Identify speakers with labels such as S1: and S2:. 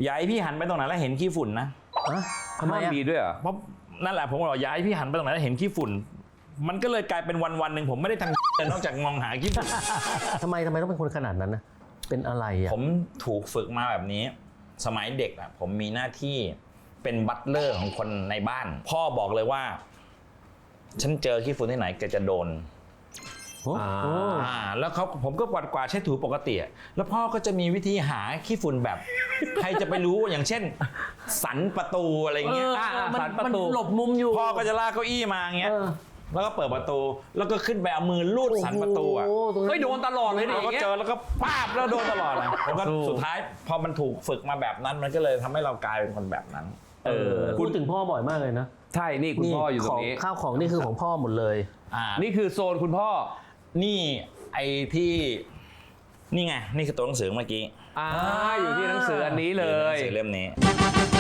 S1: อย่าให้พี่หันไปตรงไหนแล้วเห็นขี้ฝุ่นนะ
S2: ทำไมมีด้วยเหรอ
S1: เพราะนั่นแหละผมบอกอย่าให้พี่หันไปตรงไหนแล้วเห็นขี้ฝุ่นมันก็เลยกลายเป็นวันหนึ่งผมไม่ได้ทำแต่นอกจากมองหาขี้ฝุ่น
S3: ทำไมต้องเป็นคนขนาดนั้นนะเป็นอะไรอ่ะ
S1: ผมถูกฝึกมาแบบนี้สมัยเด็กอ่ะผมมีหน้าที่เป็นบัตเลอร์ของคนในบ้านพ่อบอกเลยว่าฉันเจอขี้ฝุ่นที่ไหนแกจะโดนแล้วผมก็กวาดเช็ดถูปกติแล้วพ่อก็จะมีวิธีหาขี้ฝุ่นแบบใครจะไปรู้อย่างเช่นสันประตูอะไรเงี้ย
S3: สันประตูหลบมุมอยู่
S1: พ่อก็จะลากเก้าอี้มาเงี้ยแล้วก็เปิดประตูแล้วก็ขึ้นไปเอามือลูดสันประตูอ่ะ
S2: ไม่โดนตลอดเลยดิ
S1: เราก็เจอแล้วก็ป้าบแล้วโดนตลอดเลยผมก็สุดท้ายพอมันถูกฝึกมาแบบนั้นมันก็เลยทำให้เรากลายเป็นคนแบบนั้น
S3: พูดถึงพ่อบ่อยมากเลยนะ
S2: ใช่นี่คุณพ่ออยู่ตรงนี้
S3: ข้าวของนี่คือของพ่อหมดเลย
S2: นี่คือโซนคุณพ่อ
S1: นี่ไอ้ที่นี่ไงนี่คือตัวหนังสือเมื่อกี้
S2: อยู่ที่หนังสืออันนี้เลย
S1: หนังสือเล่มนี้